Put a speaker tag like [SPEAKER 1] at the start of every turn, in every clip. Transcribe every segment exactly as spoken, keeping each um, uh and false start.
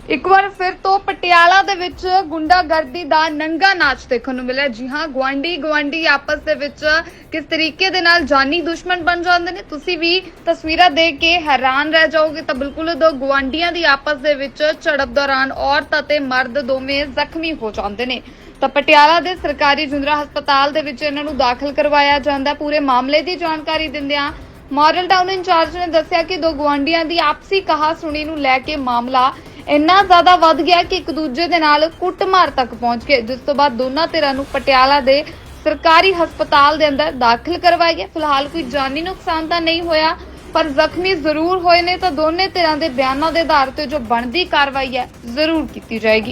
[SPEAKER 1] ਇੱਕ ਵਾਰ ਫਿਰ ਤੋਂ ਪਟਿਆਲਾ ਦੇ ਵਿੱਚ ਗੁੰਡਾਗਰਦੀ ਦਾ ਨੰਗਾ ਨਾਚ ਦੇਖਣ ਨੂੰ ਮਿਲਿਆ। ਜੀ ਹਾਂ, ਗੁਆਂਢੀ ਗੁਆਂਢੀ ਆਪਸ ਦੇ ਵਿੱਚ ਕਿਸ ਤਰੀਕੇ ਦੇ ਨਾਲ ਜਾਨੀ ਦੁਸ਼ਮਣ ਬਣ ਜਾਂਦੇ ਨੇ, ਤੁਸੀਂ ਵੀ ਤਸਵੀਰਾਂ ਦੇਖ ਕੇ ਹੈਰਾਨ ਰਹਿ ਜਾਓਗੇ। ਤਾਂ ਬਿਲਕੁਲ ਦੋ ਗੁਆਂਢੀਆਂ ਦੀ ਆਪਸ ਦੇ ਵਿੱਚ ਝੜਪ ਦੌਰਾਨ ਔਰਤ ਅਤੇ ਮਰਦ ਦੋਵੇਂ ਜ਼ਖਮੀ ਹੋ ਜਾਂਦੇ ਨੇ। ਤਾਂ ਪਟਿਆਲਾ ਦੇ ਸਰਕਾਰੀ ਜੁੰਦਰਾ ਹਸਪਤਾਲ ਦੇ ਵਿੱਚ ਇਹਨਾਂ ਨੂੰ ਦਾਖਲ ਕਰਵਾਇਆ ਜਾਂਦਾ। ਪੂਰੇ ਮਾਮਲੇ ਦੀ ਜਾਣਕਾਰੀ ਦਿੰਦਿਆਂ ਮਾਡਲ ਟਾਊਨ ਇੰਚਾਰਜ ਨੇ ਦੱਸਿਆ ਕਿ ਦੋ ਗੁਆਂਢੀਆਂ ਦੀ ਆਪਸੀ ਕਹਾ-ਸੁਣੀ ਨੂੰ ਲੈ ਕੇ ਮਾਮਲਾ ਇੰਨਾ ਜ਼ਿਆਦਾ ਵੱਧ ਗਿਆ ਕਿ ਇੱਕ ਦੂਜੇ ਦੇ ਨਾਲ ਕੁੱਟਮਾਰ ਤੱਕ ਪਹੁੰਚ ਗਏ, ਜਿਸ ਤੋਂ ਬਾਅਦ ਦੋਨਾਂ ਧਿਰਾਂ ਨੂੰ ਪਟਿਆਲਾ ਦੇ ਸਰਕਾਰੀ ਹਸਪਤਾਲ ਦੇ ਅੰਦਰ ਦਾਖਲ ਕਰਵਾਇਆ ਗਿਆ। ਫਿਲਹਾਲ ਕੋਈ ਜਾਨੀ ਨੁਕਸਾਨ ਤਾਂ ਨਹੀਂ ਹੋਇਆ, ਪਰ ਜ਼ਖਮੀ ਜ਼ਰੂਰ ਹੋਏ ਨੇ। ਤਾਂ ਦੋਨੇ ਧਿਰਾਂ ਦੇ ਬਿਆਨਾਂ ਦੇ ਆਧਾਰ ਤੇ ਜੋ ਬਣਦੀ ਕਾਰਵਾਈ ਹੈ ਜ਼ਰੂਰ ਕੀਤੀ ਜਾਏਗੀ।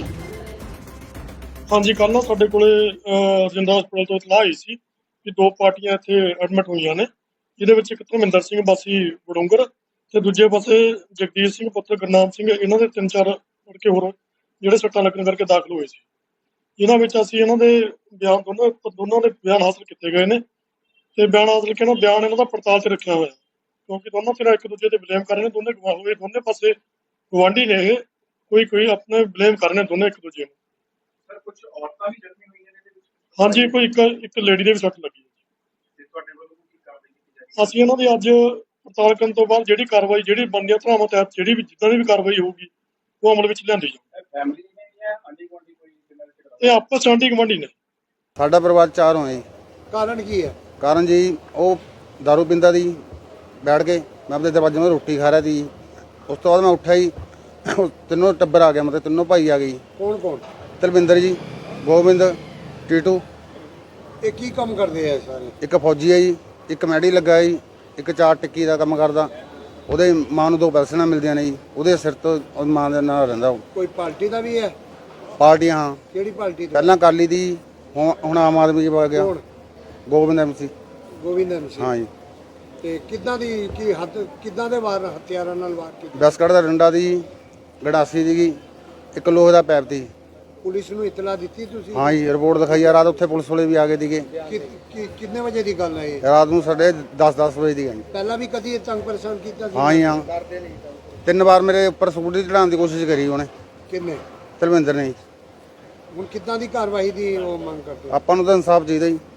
[SPEAKER 2] ਹਾਂਜੀ, ਕੱਲ੍ਹ ਨਾ ਸਾਡੇ ਕੋਲੇ ਰਜਿੰਦਰਾ ਹਸਪਤਾਲ ਤੋਂ ਇਤਲਾਹ ਆਈ ਸੀ ਕਿ ਦੋ ਪਾਰਟੀਆਂ ਇੱਥੇ ਐਡਮਿਟ ਹੋਈਆਂ ਨੇ, ਜਿਹਦੇ ਵਿੱਚ ਇੱਕ ਧਰਮਿੰਦਰ ਸਿੰਘ ਵਾਸੀ ਵੜੋਂਗਰ ਤੇ ਦੂਜੇ ਪਾਸੇ ਜਗਦੀਸ਼ ਸਿੰਘ ਪੁੱਤਰ ਗੁਰਨਾਮ ਸਿੰਘ, ਇਹਨਾਂ ਦੇ ਤਿੰਨ ਚਾਰ ਲੜਕੇ ਹੋਰ ਜਿਹੜੇ ਸੱਟਾਂ ਲੱਗਣ ਕਰਕੇ ਦਾਖਲ ਹੋਏ ਸੀ। ਇਹਨਾਂ ਵਿੱਚ ਅਸੀਂ ਇਹਨਾਂ ਦੇ ਬਿਆਨ ਦੋਨਾਂ ਦੋਨਾਂ ਦੇ ਬਿਆਨ ਹਾਸਲ ਕੀਤੇ ਗਏ ਨੇ ਤੇ ਬਿਆਨ ਹਾਸਲ ਕੇ ਨਾ ਬਿਆਨ ਇਹਨਾਂ ਦਾ ਪੜਤਾਲ 'ਚ ਰੱਖਿਆ ਹੋਇਆ, ਕਿਉਂਕਿ ਦੋਨੋਂ ਫਿਰ ਇੱਕ ਦੂਜੇ ਤੇ ਬਲੇਮ ਕਰ ਰਹੇ ਨੇ। ਦੋਨੇ ਹੋਏ ਦੋਨੇ ਪਾਸੇ ਗੁਆਂਢੀ ਨੇ, ਇਹ ਕੋਈ ਕੋਈ ਆਪਣੇ ਬਲੇਮ ਕਰ ਰਹੇ ਨੇ ਦੋਨੇ ਇੱਕ ਦੂਜੇ ਨੂੰ।
[SPEAKER 3] ਸਰ, ਕੁਝ ਔਰਤਾਂ ਵੀ ਜ਼ਖਮੀ ਹੋਈਆਂ ਨੇ ਇਹਦੇ ਵਿੱਚ?
[SPEAKER 2] ਹਾਂਜੀ, ਕੋਈ ਇੱਕ ਇੱਕ ਲੇਡੀ ਦੇ ਵੀ ਸੱਟ ਲੱਗੀ ਹੈ।
[SPEAKER 3] ਤੇ ਤੁਹਾਡੇ ਵੱਲੋਂ ਕੀ ਕਾਰਵਾਈ ਕੀਤੀ ਜਾਏਗੀ?
[SPEAKER 2] ਅਸੀਂ ਇਹਨਾਂ ਦੀ ਅੱਜ ਪੜਤਾਲ ਕਰਨ ਤੋਂ ਬਾਅਦ ਜਿਹੜੀ ਕਾਰਵਾਈ ਜਿਹੜੀ ਬਣਦੀਆਂ ਧਾਰਾਵਾਂ ਤਹਿਤ ਜਿਹੜੀ ਵੀ ਜਿੱਦਾਂ ਦੀ ਵੀ ਕਾਰਵਾਈ ਹੋਊਗੀ ਉਹ ਅਮਲ ਵਿੱਚ ਲਿਆਂਦੀ ਜਾਊਗੀ।
[SPEAKER 3] ਫੈਮਿਲੀ ਨੇ ਜਾਂ ਆਂਢੀ ਗੁਆਂਢੀ ਕੋਈ ਜਿਨ੍ਹਾਂ ਦੇ ਝਗੜਾ?
[SPEAKER 2] ਇਹ ਆਪਸ 'ਚ ਆਂਢੀ ਗੁਆਂਢੀ ਨੇ।
[SPEAKER 4] ਸਾਡਾ ਪਰਿਵਾਰ ਚਾਰ ਹੋਏ ਜੀ।
[SPEAKER 5] ਕਾਰਨ ਕੀ ਹੈ?
[SPEAKER 4] ਕਾਰਨ ਜੀ ਉਹ ਦਾਰੂ ਪੀਂਦਾ ਸੀ, ਬੈਠ ਕੇ ਮੈਂ ਆਪਣੇ ਦਰਵਾਜ਼ੇ 'ਤੇ ਰੋਟੀ ਖਾ ਰਿਹਾ ਸੀ। ਉਸ ਤੋਂ ਬਾਅਦ ਮੈਂ ਉੱਠਿਆ ਜੀ, ਤਿੰਨੋਂ ਟੱਬਰ ਆ ਗਿਆ, ਮਤਲਬ ਤਿੰਨੋਂ ਭਾਈ ਆ ਗਏ।
[SPEAKER 5] ਕੌਣ ਕੌਣ?
[SPEAKER 4] ਤਲਵਿੰਦਰ ਜੀ, ਗੋਬਿੰਦ, ਟੀਟੂ।
[SPEAKER 5] ਇਹ ਕੀ ਕੰਮ ਕਰਦੇ ਆ ਸਾਰੇ?
[SPEAKER 4] ਇੱਕ ਫੌਜੀ ਹੈ ਜੀ, ਇੱਕ ਮੈਡੀ ਲੱਗਾ ਜੀ, ਇੱਕ ਚਾਰ ਟਿੱਕੀ ਦਾ ਕੰਮ ਕਰਦਾ। ਉਹਦੇ ਮਾਂ ਨੂੰ ਦੋ ਪੈਨਸ਼ਨਾਂ ਮਿਲਦੀਆਂ ਨੇ ਜੀ, ਉਹਦੇ ਸਿਰ ਤੋਂ ਉਹਦੀ ਮਾਂ ਦੇ ਨਾਲ ਰਹਿੰਦਾ ਉਹ।
[SPEAKER 5] ਕੋਈ ਪਾਰਟੀ ਦਾ ਵੀ ਹੈ?
[SPEAKER 4] ਪਾਰਟੀਆਂ ਹਾਂ,
[SPEAKER 5] ਕਿਹੜੀ ਪਾਰਟੀ ਦਾ?
[SPEAKER 4] ਪਹਿਲਾਂ ਅਕਾਲੀ ਦੀ, ਹੁਣ ਹੁਣ ਆਮ ਆਦਮੀ 'ਚ ਪਾ ਗਿਆ।
[SPEAKER 5] ਕੌਣ?
[SPEAKER 4] ਗੋਬਿੰਦ ਐਮਸੀ।
[SPEAKER 5] ਗੋਬਿੰਦ ਸਿੰਘ।
[SPEAKER 4] ਹਾਂ ਜੀ।
[SPEAKER 5] ਤੇ ਕਿੱਦਾਂ ਦੀ ਕੀ ਹੱਦ ਕਿੱਦਾਂ ਦੇ ਵਾਰ ਹਥਿਆਰਾਂ ਨਾਲ ਵਾਰ ਕੀਤੇ?
[SPEAKER 4] ਬਸਕਟ ਦਾ ਡੰਡਾ ਦੀ, ਗੜਾਸੀ ਦੀ, ਇੱਕ ਲੋਹੇ ਦਾ ਪੈਪ ਦੀ।
[SPEAKER 5] ਪੁਲਿਸ ਨੂੰ ਇਤਲਾ ਦਿੱਤੀ ਤੁਸੀਂ?
[SPEAKER 4] ਹਾਂ ਜੀ, ਰਿਪੋਰਟ ਦਿਖਾਈ ਆ। ਰਾਤ ਉੱਥੇ ਪੁਲਿਸ ਵਾਲੇ ਵੀ ਆ ਗਏ ਸੀਗੇ।
[SPEAKER 5] ਕਿ- ਕਿ- ਕਿੰਨੇ ਵਜੇ ਦੀ ਗੱਲ ਹੈ ਇਹ?
[SPEAKER 4] ਰਾਤ ਨੂੰ ਸਾਡੇ ਦਸ ਦਸ ਵਜੇ ਦੀ ਗਈ।
[SPEAKER 5] ਪਹਿਲਾਂ ਵੀ ਕਦੀ ਇਹ ਤੰਗ ਪਰੇਸ਼ਾਨ ਕੀਤਾ ਸੀ?
[SPEAKER 4] ਹਾਂ ਜੀ, ਹਾਂ। ਤਿੰਨ ਵਾਰ ਮੇਰੇ ਉੱਪਰ ਸਕੂਟਰੀ ਚੜਾਉਣ ਦੀ ਕੋਸ਼ਿਸ਼ ਕਰੀ ਉਹਨੇ,
[SPEAKER 5] ਕਿੰਨੇ?
[SPEAKER 4] ਧਰਮਿੰਦਰ ਨੇ ਜੀ।
[SPEAKER 5] ਹੁਣ ਕਿੱਦਾਂ ਦੀ ਕਾਰਵਾਈ ਦੀ ਉਹ ਮੰਗ ਕਰਦੇ?
[SPEAKER 4] ਆਪਾਂ ਨੂੰ ਤਾਂ ਇਨਸਾਫ ਚਾਹੀਦਾ ਜੀ।